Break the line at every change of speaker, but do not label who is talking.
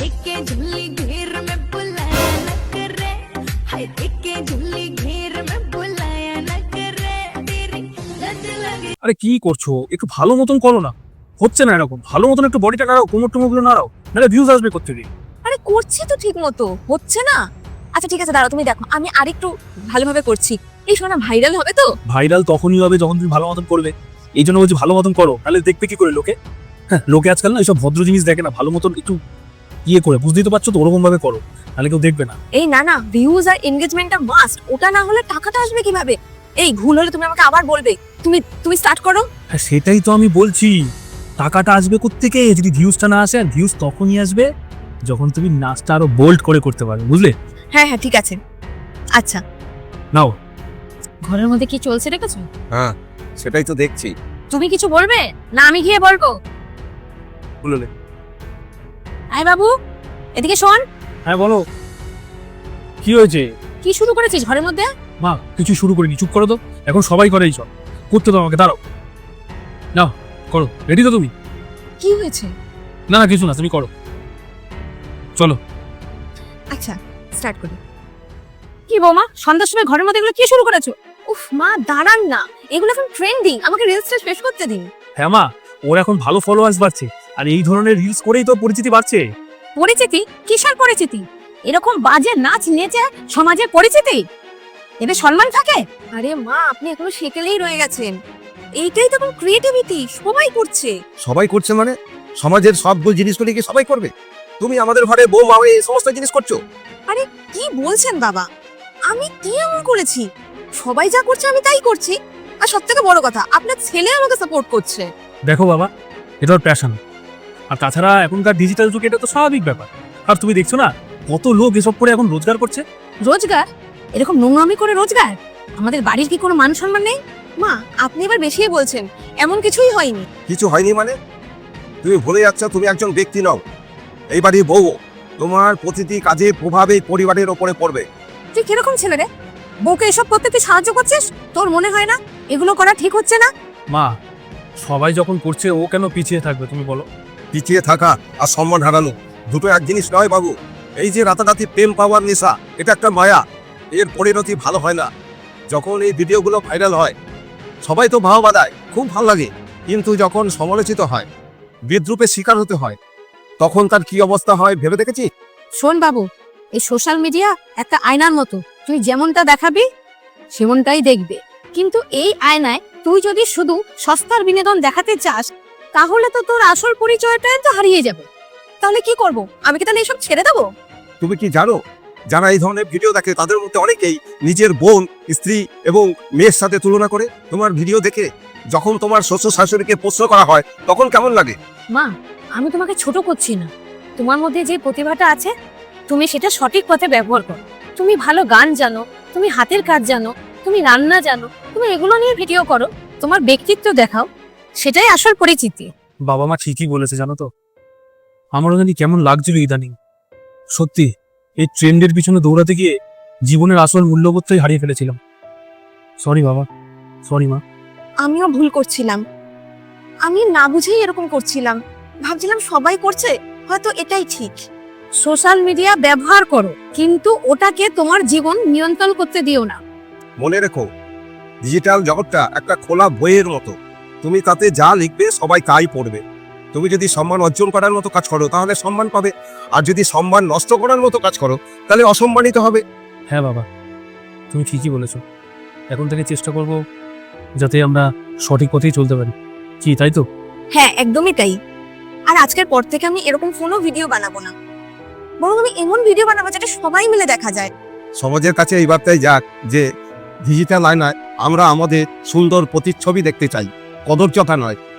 देखे झुल्ली घेर में बुलाया न करे, हाय देखे झुल्ली घेर में बुलाया न करे, तेरी लत लगे।
আরে কি করছো, একটু ভালো মতন করো না, হচ্ছে না এরকম। ভালো মতন একটু বডিটা নাড়াও, কোমর টোমরগুলো নাড়াও, নাহলে ভিউজ আসবে কোত্থেকে?
আরে করছি তো ঠিক মতো, হচ্ছে না। আচ্ছা ঠিক আছে, দাঁড়াও, তুমি দেখো আমি আরেকটু ভালোভাবে করছি। এই শোনা ভাইরাল হবে তো?
ভাইরাল তখনই হবে যখন তুমি ভালো মতন করবে। এই জন্য বলছি ভালো মতন করো, নাহলে দেখবে কি করে লোকে। হ্যাঁ, লোকে আজকাল না এইসব ভদ্র জিনিস দেখে না, ভালো মতন একটু ইয়ে করে, বুঝতেই তো পারছো তো, ওরকম ভাবে করো, নাহলে কেউ দেখবে না।
এই না না, ভিউজ আর এনগেজমেন্টটা মাস্ট, ওটা না হলে টাকাটা আসবে কিভাবে? এই ভুল হলে তুমি আমাকে আবার বলবে। তুমি স্টার্ট করো।
হ্যাঁ সেটাই তো আমি বলছি, টাকাটা আসবে কোত্থেকে? যদি ভিউজটা না আসে, ভিউজ তখনই আসবে যখন তুমি নাচটা আরো বোল্ড করে করতে পারবে, বুঝলে?
হ্যাঁ হ্যাঁ ঠিক আছে। আচ্ছা,
নাও।
ঘরের মধ্যে কি চলছে দেখেছো?
হ্যাঁ সেটাই তো দেখছি।
তুমি কিছু বলবে না আমি গিয়ে বলবো?
বললে।
আয় বাবু, এদিকে শোন।
হ্যাঁ বলো, কি হয়েছে?
কি শুরু করেছিস ঘরের মধ্যে?
মা কিছু শুরু করিনি, চুপ করো তো। এখন সবাই করে এইসব, করতে দাও আমাকে, দাঁড়াও। নাও করো, রেডি তো তুমি?
কি হয়েছে?
না না কিছু না, তুমি করো, চলো।
আচ্ছা স্টার্ট করি। কি বৌমা, সন্ধ্যার সময় ঘরের মধ্যে এগুলো কি শুরু করেছো? উফ মা দাঁড়ান না, এগুলো এখন ট্রেন্ডিং, আমাকে রিলসটা শেষ করতে দিন।
হ্যাঁ মা, ওর এখন ভালো ফলোয়ার্স বাড়ছে, আর এই ধরনের রিলস করেই তো পরিচিতি বাড়ছে।
পরিচিতি? কিসের পরিচিতি? এরকম বাজে নাচ নেচে সমাজে পরিচিতি? এতে সম্মান থাকে? আরে মা, আপনি এখনো সেকেলেই রয়ে গেছেন। এইটাই তো ক্রিয়েটিভিটি, সবাই করছে।
সবাই করছে মানে? সমাজের সব জিনিসগুলি কি সবাই করবে? তুমি আমাদের ঘরে বৌমা হয়ে এই সমস্ত জিনিস করছো?
আরে কি বলছেন বাবা, আমি কি এমন করেছি? সবাই যা করছে আমি তাই করছি। আর সবথেকে বড় কথা, আপনার ছেলে আমাকে সাপোর্ট করছে।
দেখো বাবা, এটা ওর প্যাশন, আর তাছাড়া এখনকার ডিজিটাল যুগে এটা তো স্বাভাবিক ব্যাপার। আর তুমি দেখছো না কত লোক এসব করে এখন রোজগার করছে।
রোজগার? এরকম নোংরামি করে রোজগার? আমাদের বাড়ির কি কোনো মান সম্মান নেই? মা আপনি এবার বেশিই বলছেন, এমন কিছুই হয়নি।
কিছু হয়নি মানে? তুমি ভুলে যাচ্ছ তুমি একজন ব্যক্তি নও, এই বাড়ির বউ। তোমার প্রতিটি কাজে প্রভাব এই পরিবারের ওপরে পড়বে।
তুই কিরকম ছেলে রে? বউকে এসব করতে তুই সাহায্য করছিস? তোর মনে হয় না এগুলো করা ঠিক হচ্ছে না?
মা সবাই যখন করছে, ও কেন পিছিয়ে থাকবে তুমি বলো?
পিছিয়ে থাকা আর সম্মান হারানো দুটো এক জিনিস নয় বাবু। এই যে রাতারাতি প্রেম পাওয়ার নেশা, এটা একটা মায়া, এর পরিণতি ভালো হয় না। যখন এই ভিডিওগুলো ভাইরাল হয় সবাই তো ভাও বাঁধায়, খুব ভালো লাগে, কিন্তু যখন সমালোচিত হয়, বিদ্রূপের শিকার হতে হয়, তখন তার কি অবস্থা হয় ভেবে দেখেছি?
শোন বাবু, এই সোশ্যাল মিডিয়া একটা আয়নার মতো, তুই যেমনটা দেখাবি সেমনটাই দেখবে। কিন্তু এই আয়নায় তুই যদি শুধু সস্তার বিনোদন দেখাতে চাস, তাহলে তো তোর আসল পরিচয়টাই তো হারিয়ে যাবে। তাহলে কি করব? আমি কি তাহলে এসব ছেড়ে দেবো?
তুমি কি জানো, যারা এই ধরনের ভিডিও দেখে তাদের মধ্যে অনেকেই নিজের বোন, স্ত্রী এবং মেয়ের সাথে তুলনা করে। তোমার ভিডিও দেখে যখন তোমার শ্বশুর শাশুড়িকে প্রশ্ন করা হয় তখন কেমন লাগে?
মা আমি তোমাকে ছোট করছি না, তোমার মধ্যে যে প্রতিভাটা আছে তুমি সেটা সঠিক পথে ব্যবহার করো। তুমি ভালো গান জানো, তুমি হাতের কাজ জানো, তুমি রান্না জানো, তুমি এগুলো নিয়ে ভিডিও করো, তোমার ব্যক্তিত্ব দেখাও, সেটাই আসল পরিচিতি।
বাবা মা ঠিকই বলেছে, জানো তো আমারও জানি কেমন লাগছিল ইদানিং। সত্যি এই ট্রেন্ডের পিছনে দৌড়াতে গিয়ে জীবনের আসল মূল্যবোধটাই হারিয়ে ফেলেছিলাম। সরি বাবা, সরি মা।
আমিও ভুল করছিলাম, আমি না বুঝেই এরকম করছিলাম, ভাবছিলাম সবাই করছে, হয়তো এটাই ঠিক। সোশ্যাল মিডিয়া ব্যবহার করো, কিন্তু ওটাকে তোমার জীবন নিয়ন্ত্রণ করতে দিও না।
মনে রেখো, ডিজিটাল জগৎটা একটা খোলা বইয়ের মতো, তুমি তাতে যা লিখবে সবাই তাই পড়বে। তুমি যদি সম্মান অর্জন করার মতো কাজ করো তাহলে সম্মান পাবে, আর যদি সম্মান নষ্ট করার মতো কাজ করো তাহলে অসম্মানিত হবে।
হ্যাঁ বাবা, তুমি ঠিকই বলেছো। এখন থেকে চেষ্টা করব যাতে আমরা সঠিক পথেই চলতে পারি। কি তাই তো?
হ্যাঁ একদমই তাই। আর আজকের পর থেকে আমি এরকম কোনো ভিডিও বানাবো না, বরং আমি এমন ভিডিও বানাবো যেটা সবাই মিলে দেখা যায়।
সমাজের কাছে এই বার্তাই যাক যে ডিজিটাল আয়নায় আমরা আমাদের সুন্দর প্রতিচ্ছবি দেখতে চাই, কদর্যতা নয়।